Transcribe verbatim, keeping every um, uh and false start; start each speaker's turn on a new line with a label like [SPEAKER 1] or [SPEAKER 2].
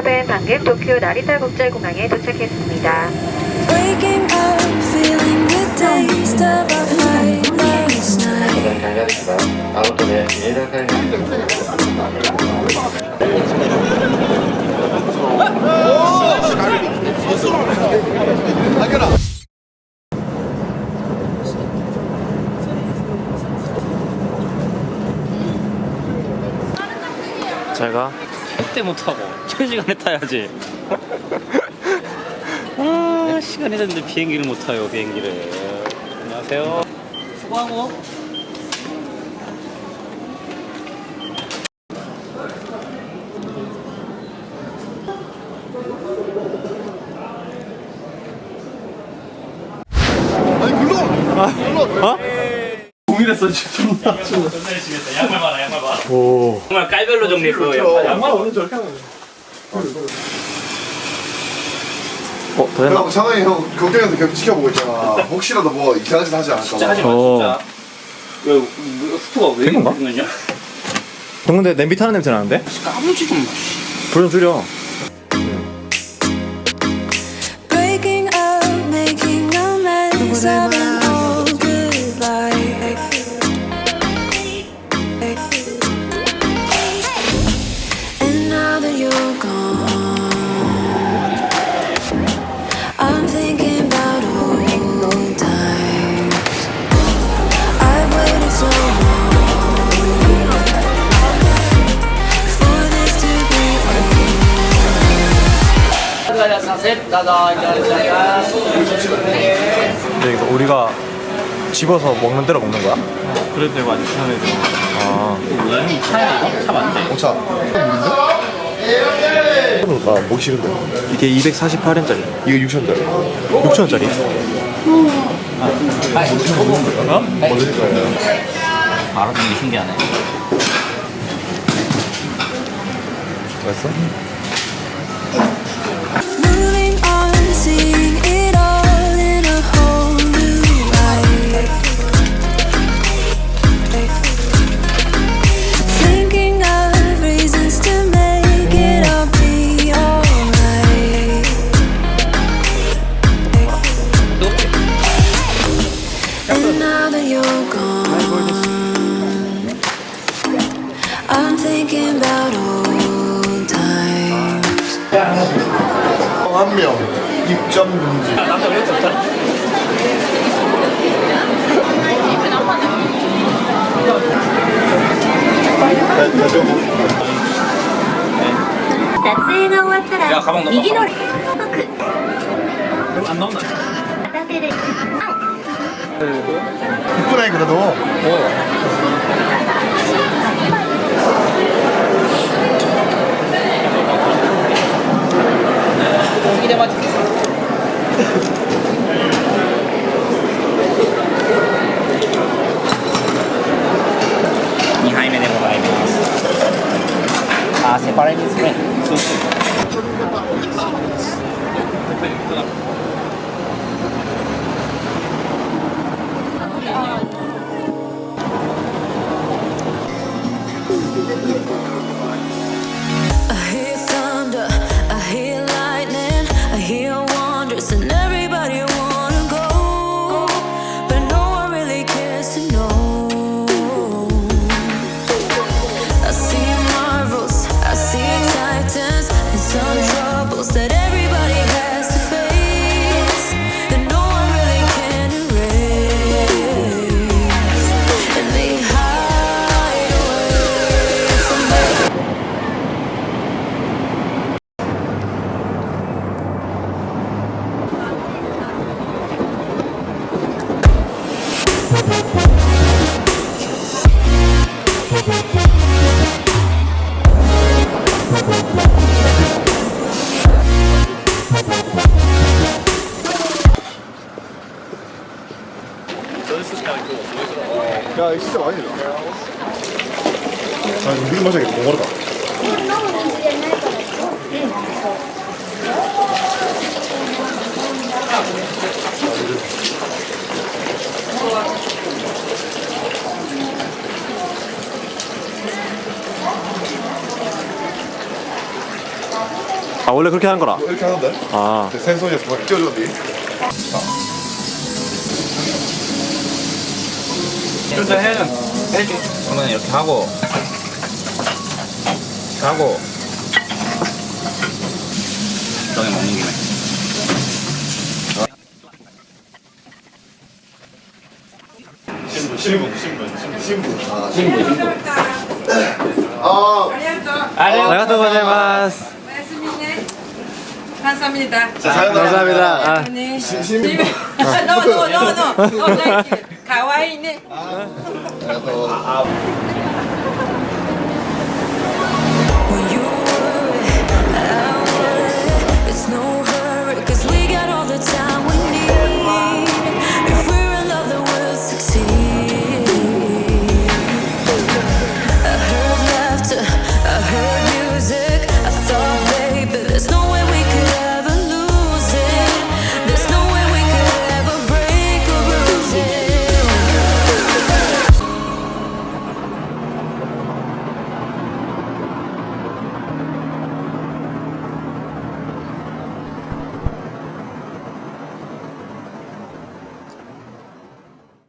[SPEAKER 1] 클럽은 방금 도쿄 나리타 국제공항에 도착했습니다.
[SPEAKER 2] 잘가.
[SPEAKER 3] 택대 못하고 첫 시간에 타야지. 아 시간이 됐는데 비행기를 못 타요. 비행기를. 안녕하세요. 수고하고.
[SPEAKER 4] 아니 글로! 글로!
[SPEAKER 2] 어?
[SPEAKER 4] 동일했어 지금.
[SPEAKER 3] 존나 열심히 양말 봐라 양말 봐.
[SPEAKER 2] 오.
[SPEAKER 3] 정말 깔별로 정리했어. 양말.
[SPEAKER 4] 양말 오늘 저렇게 하는
[SPEAKER 2] 어, 더 했나?
[SPEAKER 4] 거야. 상황이 형 걱정해서 계속 지켜보고 있잖아. 혹시라도 뭐 이상한 짓 하지 않을까
[SPEAKER 3] 진짜
[SPEAKER 4] 봐.
[SPEAKER 3] 하지 마
[SPEAKER 2] 어.
[SPEAKER 3] 진짜. 왜 뭐, 스토가 왜
[SPEAKER 2] 된 건가?
[SPEAKER 3] 이러냐?
[SPEAKER 2] 형 근데 냄비 타는 냄새 나는데?
[SPEAKER 3] 까불지 좀 마.
[SPEAKER 2] 불 좀 줄여.
[SPEAKER 5] Breaking up, making amends of an old good life. And now that you're gone, I'm thinking about old times. I've waited so long for this to be
[SPEAKER 2] 근데 이거 우리가 집어서 먹는 대로 먹는 거야?
[SPEAKER 3] 그래도 되고 아주 편해져.
[SPEAKER 2] 아.
[SPEAKER 3] 얘는 차야 이거? 차 맞네.
[SPEAKER 4] 오차. 아 먹기 싫은데.
[SPEAKER 2] 이게 이백사십팔 엔짜리.
[SPEAKER 4] 이거 육천 원짜리.
[SPEAKER 2] 육천 원짜리.
[SPEAKER 3] 어?
[SPEAKER 4] 뭐 드실 거예요?
[SPEAKER 3] 알아듣는 게 신기하네.
[SPEAKER 4] 맛있어?
[SPEAKER 5] moving on, seeing it all in a whole new light. Thinking of reasons to make it all be alright. And now that you're gone, I'm thinking about old times.
[SPEAKER 4] 한 명 입점 금지.
[SPEAKER 3] 남자 왜 이렇게 없잖아? 야 가방 넣어. 안 나온다.
[SPEAKER 4] 이쁘네 그래도.
[SPEAKER 3] 이래 맞지.にはいめでございます。あ、セパレートスプレー。そうそう。
[SPEAKER 5] I hear thunder, I hear lightning, I hear wonders, and everybody wanna go, but no one really cares to know. I see marvels, I see titans, and some troubles that everybody has to face, that no one really can erase, and they hide away from me.
[SPEAKER 4] 야 이거 진짜 많이 들어. 아 이거 미리 마셔야겠다. 너무 어렵다.
[SPEAKER 2] 아 원래 그렇게 하는 거라.
[SPEAKER 4] 이렇게 하는데?
[SPEAKER 2] 아
[SPEAKER 4] 생선이 그걸 껴줬니?
[SPEAKER 3] 좀더 해야죠. 해줄게. 저는 이렇게 하고, 이렇게 하고, 너네 먹는 김에.
[SPEAKER 4] 신부 신부 신부 신부 아
[SPEAKER 3] 신부, 신부.
[SPEAKER 4] 아
[SPEAKER 2] 아리가토 고자이마스.
[SPEAKER 6] 감사합니다.
[SPEAKER 2] 감사합니다. 아.
[SPEAKER 6] 네.
[SPEAKER 4] 신부
[SPEAKER 6] 노노노노. 가와이네.
[SPEAKER 4] 아